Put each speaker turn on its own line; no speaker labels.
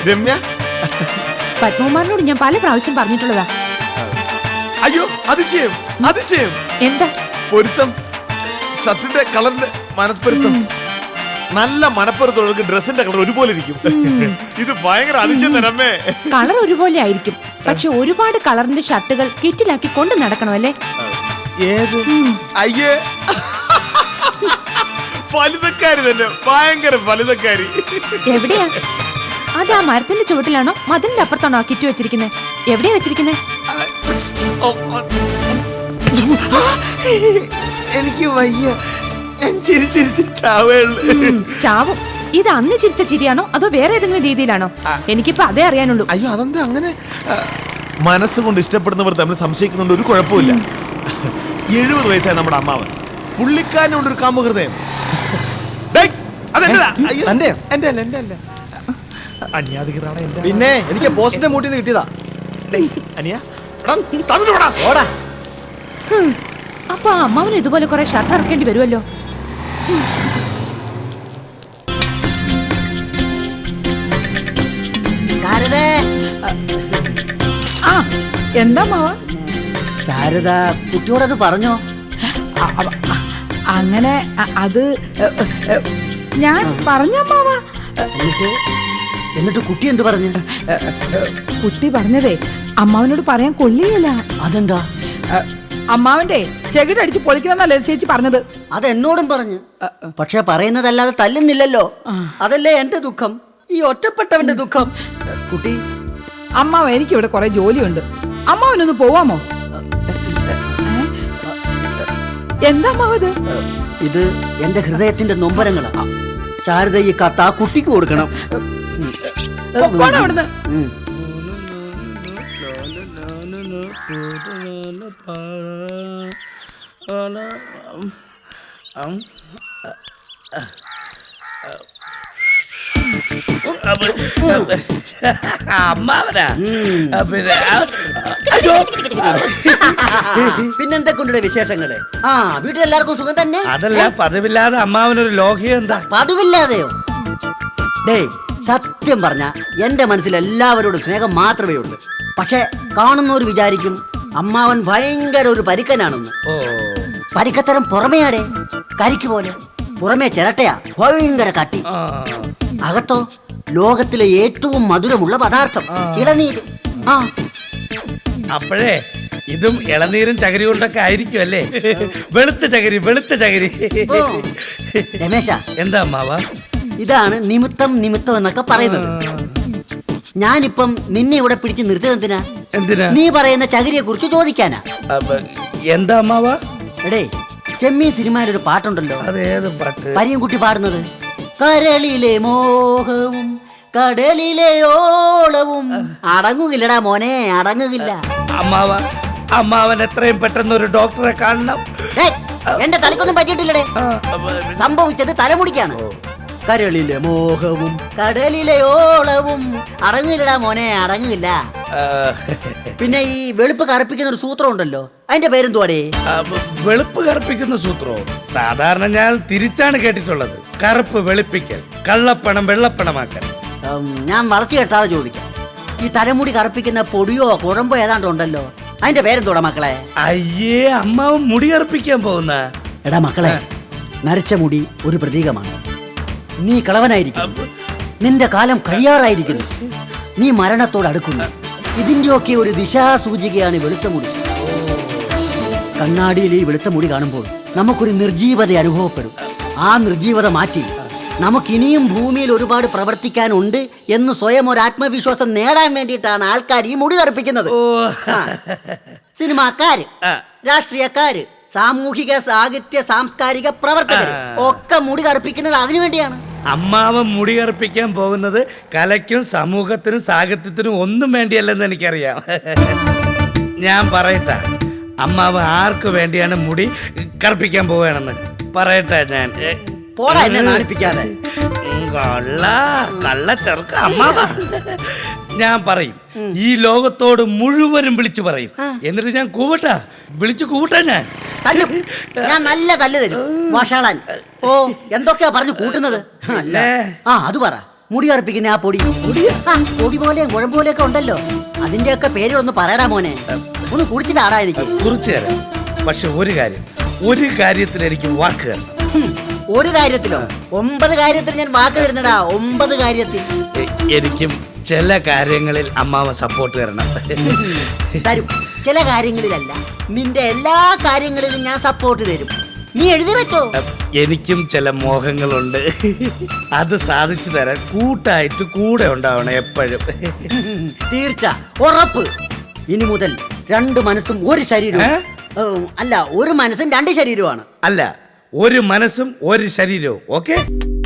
രമ്യ,
പത്മകുമാറിനോട് ഞാൻ പല പ്രാവശ്യം പറഞ്ഞിട്ടുള്ളതാ.
അയ്യോ അതിശയം അതിശയം.
എന്താ
പൊരുത്തം, ഷർട്ടിന്റെ കളറിന്റെ മനപ്പൊരുത്തം. നല്ല മനപ്പൊരുത്തം, ഡ്രസ്സിന്റെ കളർ ഒരുപോലെ ഇരിക്കും. ഇത് ഭയങ്കര അതിശയം രമ്യേ.
കളർ ഒരുപോലെ ആയിരിക്കും, പക്ഷെ ഒരുപാട് കളറിന്റെ ഷർട്ടുകൾ കിറ്റിലാക്കി കൊണ്ട് നടക്കണമല്ലേ?
ഏത്? അയ്യേ, ഫലിതക്കാരി തന്നെ, ഭയങ്കര ഫലിതക്കാരി.
എവിടെയാ അത്? ആ മരത്തിന്റെ ചുവട്ടിലാണോ മതിലിന്റെ അപ്പുറത്താണോ ആ കിറ്റ് വെച്ചിരിക്കുന്നത്? എവിടെയാ വെച്ചിരിക്കുന്നത്?
എനിക്ക് വയ്യ,
ചാവും. ഇത് അന്ന് ചിരിച്ച ചിരിയാണോ അതോ വേറെ ഏതെങ്കിലും രീതിയിലാണോ? എനിക്കിപ്പോ അതേ അറിയാനുള്ളൂ.
അയ്യോ അതെന്താ അങ്ങനെ? മനസ്സുകൊണ്ട് ഇഷ്ടപ്പെടുന്നവർ തമ്മിൽ സംശയിക്കുന്നുണ്ട്, ഒരു കുഴപ്പമില്ല. 70 വയസ്സായ നമ്മുടെ അമ്മാവൻ, പുള്ളിക്കാരനുണ്ട് ഒരു കാമുകൃതയം.
പിന്നെ എനിക്ക് പോസ്റ്റിന്റെ മൂട്ടിൽ നിന്ന് കിട്ടിയതാ.
അപ്പൊ ആ അമ്മാവന് ഇതുപോലെ കുറെ ഷർട്ട് ഇറക്കേണ്ടി വരുമല്ലോ.
ആ എന്താ മാവ?
ശാരദ കുട്ടിയോടത് പറഞ്ഞോ?
അങ്ങനെ അത് ഞാൻ പറഞ്ഞ മാവ.
എന്നിട്ട് കുട്ടി എന്ത് പറഞ്ഞു?
കുട്ടി പറഞ്ഞതേ അമ്മാവനോട് പറയാൻ കൊള്ളിയല്ല.
അതെന്താ?
അമ്മാവന്റെ ചെകിടടിച്ച് പൊളിക്കണമെന്നല്ലേ ചേച്ചി പറഞ്ഞത്?
അതെന്നോടും പറഞ്ഞു, പക്ഷെ പറയുന്നതല്ലാതെ തല്ലുന്നില്ലല്ലോ. അതല്ലേ എന്റെ ദുഃഖം, ഈ ഒറ്റപ്പെട്ടവന്റെ ദുഃഖം. കുട്ടി,
അമ്മാവ എനിക്കിവിടെ കുറെ ജോലിയുണ്ട്, അമ്മാവനൊന്ന് പോവാമോ? എന്താ അമ്മാവത്?
ഇത് എന്റെ ഹൃദയത്തിന്റെ നൊമ്പരങ്ങളാ. ശാരദ ഈ കത്ത് ആ കുട്ടിക്ക് കൊടുക്കണം.
അവിടുന്ന്
അമ്മാവനാ?
പിന്നെന്തൊക്കെ വിശേഷങ്ങള്? ആ, വീട്ടിലെല്ലാവർക്കും സുഖം തന്നെ?
അതല്ല, പതിവില്ലാതെ അമ്മാവനൊരു ലോഹ്യം എന്താ?
പതിവില്ലാതെയോ? ഡേ, സത്യം പറഞ്ഞ എന്റെ മനസ്സിൽ എല്ലാവരോടും സ്നേഹം മാത്രമേ ഉള്ളൂ. പക്ഷെ കാണുന്നവർ വിചാരിക്കും അമ്മാവൻ ഭയങ്കര ഒരു പരിക്കനാണെന്ന്. പരിക്കത്തരം പുറമേയാടെ കരിക്ക് പോലെ, പുറമേ ചിരട്ടയാ, ഭയങ്കര കട്ടി. അകത്തോ ലോകത്തിലെ ഏറ്റവും മധുരമുള്ള പദാർത്ഥം ഇളനീര്. ആ,
അപ്പോഴേ ഇതും ഇളനീരും ചകിരി കൊണ്ടൊക്കെ ആയിരിക്കും അല്ലേ? വെളുത്ത ചകിരി, വെളുത്ത ചകിരി.
രമേശ,
എന്താ അമ്മാവ?
ഇതാണ് നിമിത്തം നിമിത്തം എന്നൊക്കെ പറയുന്നത്. ഞാനിപ്പം നിന്നെ ഇവിടെ പിടിച്ച് നിർത്തിയതെന്തിനാ?
എന്തിനാ?
നീ പറയുന്ന ചകിരിയെ കുറിച്ച് ചോദിക്കാനാ.
എന്താ അമ്മാവ?
എടേ, ചെമ്മീൻ സിനിമയിൽ ഒരു പാട്ടുണ്ടല്ലോ,
അതേത് പാട്ട്?
പരിയൻകുട്ടി പാടുന്നത്. കരളിലെ മോഹവും കടലിലെ ഓളവും അടങ്ങുകില്ലടാ മോനെ, അടങ്ങുകില്ല.
അമ്മാവ, അമ്മാവൻ എത്രയും പെട്ടെന്ന് ഒരു ഡോക്ടറെ കാണണം.
എന്റെ തലക്കൊന്നും പറ്റിയിട്ടില്ലടേ. സംഭവിച്ചത് തലമുടിക്കാണ്. കരളിലെ മോഹവും കടലിലെ ഓളവും അടങ്ങില്ലടാ മോനെ, അടങ്ങില്ല. പിന്നെ ഈ വെളുപ്പ് കറുപ്പിക്കുന്ന ഒരു സൂത്രം ഉണ്ടല്ലോ, അതിന്റെ പേരെന്തുവാടേ?
വെളുപ്പ് കറുപ്പിക്കുന്ന സൂത്രോ? സാധാരണ ഞാൻ തിരിച്ചാണ് കേട്ടിട്ടുള്ളത്. കറുപ്പ് വെളുപ്പിക്കൽ, കള്ളപ്പണം വെള്ളപ്പണമാക്കൽ.
ഞാൻ വളച്ചു കെട്ടാതെ ചോദിക്കാം, ഈ തലമുടി കറുപ്പിക്കുന്ന പൊടിയോ കുഴമ്പോ ഏതാണ്ട് ഉണ്ടല്ലോ, അതിന്റെ പേരെന്തോടാ മക്കളെ?
അയ്യേ, അമ്മാവൻ മുടി കറുപ്പിക്കാൻ പോകുന്ന?
എടാ മക്കളെ, നരച്ച മുടി ഒരു പ്രതീകമാണ്. നീ കളവനായിരിക്കും, നിന്റെ കാലം കഴിയാറായിരിക്കുന്നു, നീ മരണത്തോട് അടുക്കുന്നു. ഇതിന്റെയൊക്കെ ഒരു ദിശാസൂചികയാണ് വെളുത്ത മുടി. കണ്ണാടിയിൽ ഈ വെളുത്ത മുടി കാണുമ്പോൾ നമുക്കൊരു നിർജീവത അനുഭവപ്പെടും. ആ നിർജീവത മാറ്റി നമുക്കിനിയും ഭൂമിയിൽ ഒരുപാട് പ്രവർത്തിക്കാനുണ്ട് എന്ന് സ്വയം ഒരു ആത്മവിശ്വാസം നേടാൻ വേണ്ടിയിട്ടാണ് ആൾക്കാർ ഈ മുടി കറുപ്പിക്കുന്നത്. സിനിമാക്കാര്, രാഷ്ട്രീയക്കാര്, സാമൂഹിക സാഹിത്യ സാംസ്കാരിക പ്രവർത്തകർ ഒക്കെ മുടി കറുപ്പിക്കുന്നത് അതിനു വേണ്ടിയാണ്.
അമ്മാവൻ മുടി കറുപ്പിക്കാൻ പോകുന്നത് കലയ്ക്കും സമൂഹത്തിനും സാഹിത്യത്തിനും ഒന്നും വേണ്ടിയല്ലെന്ന് എനിക്കറിയാം. ഞാൻ പറയട്ടെ, അമ്മാവൻ ആർക്ക് വേണ്ടിയാണ് മുടി കറുപ്പിക്കാൻ പോവുകയാണെന്ന് പറയട്ടെ. ഞാൻ
നാണിപ്പിക്കാതെ
കള്ള ചെറുക്ക അമ്മാവ, ഞാൻ പറയും, ഈ ലോകത്തോട് മുഴുവനും വിളിച്ചു പറയും. എന്നിട്ട് ഞാൻ കൂവട്ടാ, വിളിച്ചു കൂവട്ടാ.
ഞാൻ നല്ല തല്ല് തരും വഷളൻ. ഓ, എന്തൊക്കെയാ പറഞ്ഞു കൂട്ടുന്നത്? ആ, അത് പറ. മുടി കറുപ്പിക്കുന്ന ആ പൊടി ആ, പൊടി പോലെയും കുഴമ്പ് പോലെയൊക്കെ ഉണ്ടല്ലോ അതിന്റെയൊക്കെ പേരൊന്ന് പറയടാ മോനെ ഒന്ന് കുടിച്ചിട്ടാടാ എനിക്ക്
കുറിച്ച് തരാം. പക്ഷെ ഒരു കാര്യത്തിൽ എനിക്ക് വാക്ക് തരണം.
ഒരു കാര്യത്തിലോ 9 കാര്യത്തിൽ ഞാൻ വാക്ക് തരുന്നടാ 9 കാര്യത്തിൽ
എനിക്കും ചില കാര്യങ്ങളിൽ അമ്മാവ സപ്പോർട്ട് തരണം.
തരും ചില കാര്യങ്ങളിലല്ല നിന്റെ എല്ലാ കാര്യങ്ങളിലും ഞാൻ സപ്പോർട്ട് തരും നീ എഴുതി വെച്ചോ
എനിക്കും ചില മോഹങ്ങളുണ്ട്. അത് സാധിച്ചു തരാൻ കൂട്ടായിട്ട് കൂടെ ഉണ്ടാവണം എപ്പോഴും.
തീർച്ച ഉറപ്പ് ഇനി മുതൽ 2 മനസ്സും ഒരു ശരീരവും അല്ല ഒരു മനസ്സും 2 ശരീരവുമാണ്
അല്ല, ഒരു മനസ്സും ഒരു ശരീരവും. ഓക്കെ.